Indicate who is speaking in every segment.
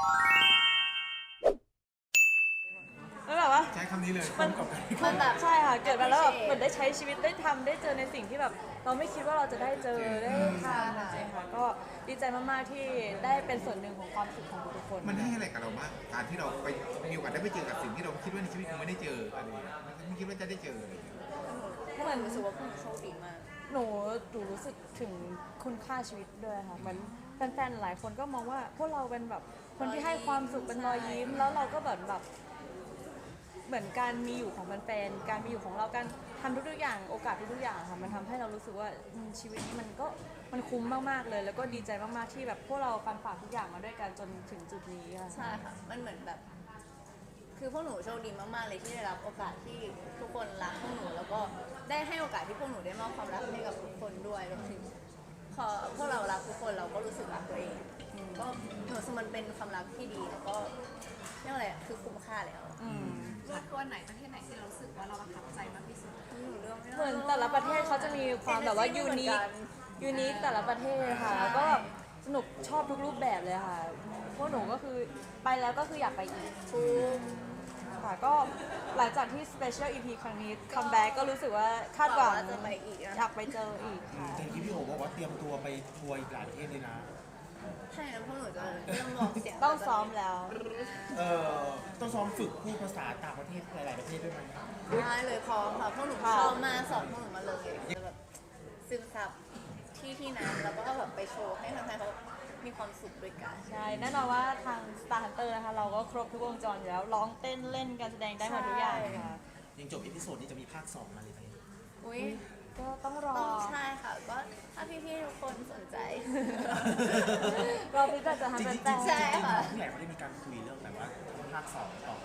Speaker 1: แล้วแบบว่า
Speaker 2: ใช้คำนี้เลย
Speaker 1: มันแบบใช่ค่ะเกิดมาแล้วแบบเหมือนได้ใช้ชีวิตได้ทำได้เจอในสิ่งที่แบบเราไม่คิดว่าเราจะได้เจอได้ทำจริงๆค่ะก็ดีใจมากๆที่ได้เป็นส่วนหนึ่งของความสุขของทุกคน
Speaker 2: มันให้อะไรกับเราบ้างการที่เราไปมีโอกาสได้ไปเจอกับสิ่งที่เราคิดว่าในชีวิตคงไม่ได้เจออะไรอย่างเงี้ยไม่คิดว่าจะได้เจออะไรอย่างเงี้ย
Speaker 3: เหมือนรู้สึกว่าพวกหนูโชคดีมาก
Speaker 1: หนูรู้สึกถึงคุณค่าชีวิตด้วยค่ะเหมือนแฟนๆหลายคนก็มองว่าพวกเราเป็นแบบคนที่ให้ความสุขเป็นรอยยิ้มแล้วเราก็แบบเหมือนการมีอยู่ของแฟนๆการมีอยู่ของเราการทำทุกๆอย่างโอกาสทุกๆอย่างค่ะมันทำให้เรารู้สึกว่าชีวิตนี้มันคุ้มมากๆเลยแล้วก็ดีใจมากๆที่แบบพวกเราฟันฝ่าทุกอย่างมาด้วยกันจนถึงจุดนี้ค่ะ
Speaker 3: ใช่ค่ะ มันเหมือนแบบ คือพวกหนูโชคดีมากๆเลยที่ได้รับโอกาสที่ทุกคนรักพวกหนู แล้วก็ได้ให้โอกาสที่พวกหนูได้มอบความรักให้กับทุกคนด้วยรวมถึงพอพวกเรารักทุกคนเราก็รู้สึกรักตัวเองก็หนูรู้สึกมันเป็นความรักที่ดีแล้วก็เรียกว่าอะไรอะคือคุ้มค่าแล้ว
Speaker 4: ตัวไหนประเทศไหนที่เรารู้สึกว่าเราประทับใจมากที่สุด
Speaker 3: หนูเลือกไม่ได้
Speaker 1: เหมือนแต่ละประเทศเขาจะมีความแบบว่ายูนิคแต่ละประเทศค่ะแล้วก็สนุกชอบทุกรูปแบบเลยค่ะพวกหนูก็คือไปแล้วก็คืออยากไปอีกค่ะก็หลังจากที่ Special EP ครั้งนี้คัมแบ็กก็รู้สึกว่าคาดหวัง
Speaker 3: จะไปอีกนะ
Speaker 1: อยากไปเจออีกค่ะ
Speaker 5: แต่ที่พี่โอบอกว่าเตรียมตัวไปทัวร์อีกหลายประเทศเลยนะ
Speaker 3: ใช่แล้วพวกหนูจะเริ่มบอกเสียง
Speaker 1: ต้องซ้อมแล้ว
Speaker 5: ต้องซ้อมฝึกพูดภาษาต่างประเทศหลาย ๆ ประเทศด้วยไหม
Speaker 3: ได้เลยพร้อมค่ะพวกหนู
Speaker 1: ค่ะ
Speaker 3: เข้ามาสอนพวกหนูมาเลยจะแบบซึมซับที่นั้นแล้วก็แบบไปโชว์ให้แฟนๆเขามีความสุขด้วยกัน
Speaker 1: ใช่แน่นอนว่าทาง Star Hunter นะคะเราก็ครบทุกวงจรอยู่แล้วร้องเต้นเล่นการแสดงได้หมดทุกอย่างค่ะ
Speaker 5: ยังจบอีพิโซดนี้จะมีภาค 2 มาเลยไหม
Speaker 3: อุ้ย
Speaker 1: ก็ต้องรอ
Speaker 3: ต้องใช่ค่ะก็ถ้าพี่ๆทุกคนสนใจ
Speaker 1: เราพิจารณา
Speaker 5: จริ
Speaker 1: ทำ
Speaker 5: ง
Speaker 1: เป็น
Speaker 5: ๆ
Speaker 1: แต่
Speaker 3: ใช่ค่ะ
Speaker 5: ผู้ใหญ่เขาได้มีการคุยเรื่องแบบว่าภาค 2 ต่อไป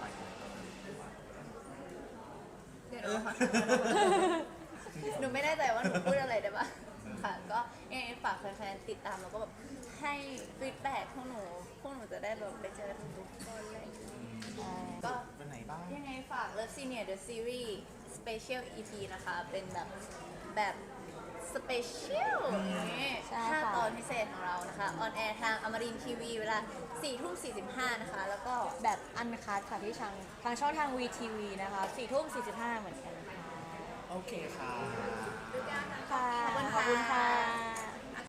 Speaker 3: เดี๋ยวนะคะหนูไม่แน่ใจว่าหนูพูดอะไรได้ปะค่ะ ก็ยังไงฝากแฟนๆติดตามแล้วก็แบบให้ฟีดแบ็กพวกหนูจะได้แบบไปเจอทุกคนอะไรอย่างเลยก็
Speaker 5: วันไหนบ้าง
Speaker 3: ยังไงฝาก Love Senior The Series Special EP นะคะ เป็นแบบ Special อย่างนี้
Speaker 1: ใช่ค่ะ
Speaker 3: 5 ตอนพิเศษของเรานะคะ ออนแอร์ทางอมรินทีวีเวลา 4:45 นะคะ แล้วก็
Speaker 1: แบบอันคัดค่ะที่ทางช่องทาง VTV นะคะ4:45เหมือนกันค่ะ
Speaker 5: โอเคค่ะ
Speaker 1: ค่ะ
Speaker 3: ขอบคุณ
Speaker 1: ขอบคุณ
Speaker 3: ค่ะ
Speaker 1: ค่ะ